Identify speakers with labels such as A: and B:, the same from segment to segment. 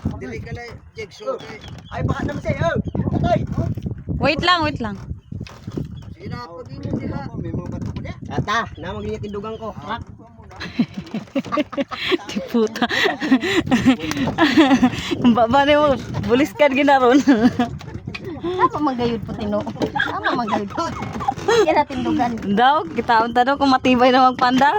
A: Dili ka lang, jigsaw.
B: Ay, baka naman sa'yo. Patay.
C: Wait lang.
A: Sinapagin mo nila. May mga bato ko niya.
B: Ata, na magiging tindugan ko. Rak.
C: Puta. Baba mo, bulis ka ginaron.
D: Apa manggayud po tino? Apa manggayud po? Kaya natin dugan.
C: Daw, kita unta daw kung matibay na magpandar.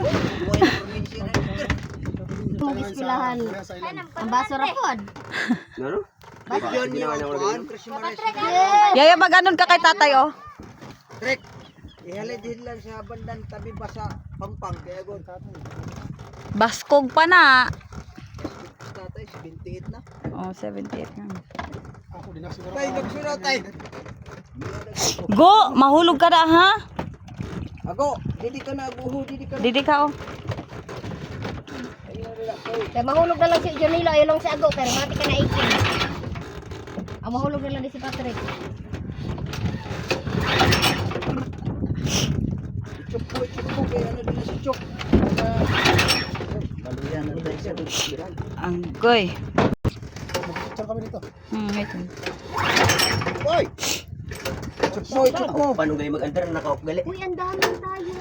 D: Mong ispilahan. Ang baso ra pod.
B: Ano?
A: Yun yung
C: Yaya, maganon ka kay tatay, oh.
A: Trek. Ihalid din lang sa bandang tabi ba sa Pampang. Kaya go.
C: Baskog pa na.
A: Tatay, 78 na.
C: Oh, 78 na.
A: Tay, nagsunod tay.
C: Go, mahulog ka na, ha?
A: Ako, didi ka na buho, didi ka na.
C: Didi ka, oh.
D: Kaya mahulog na lang si Jonilo, ayaw lang si Ago, pero mati ka na 18. Ang mahulog na lang din si Patrick.
A: Chok po, kaya ano din na si Chok. Baluyan na tayo sa dugiran.
C: Ang goy.
B: Picture kami dito.
C: Ito.
A: Oy! Chok mo.
B: Paano kayo mag-andar na naka-off gali?
D: Uy, ang dami tayo.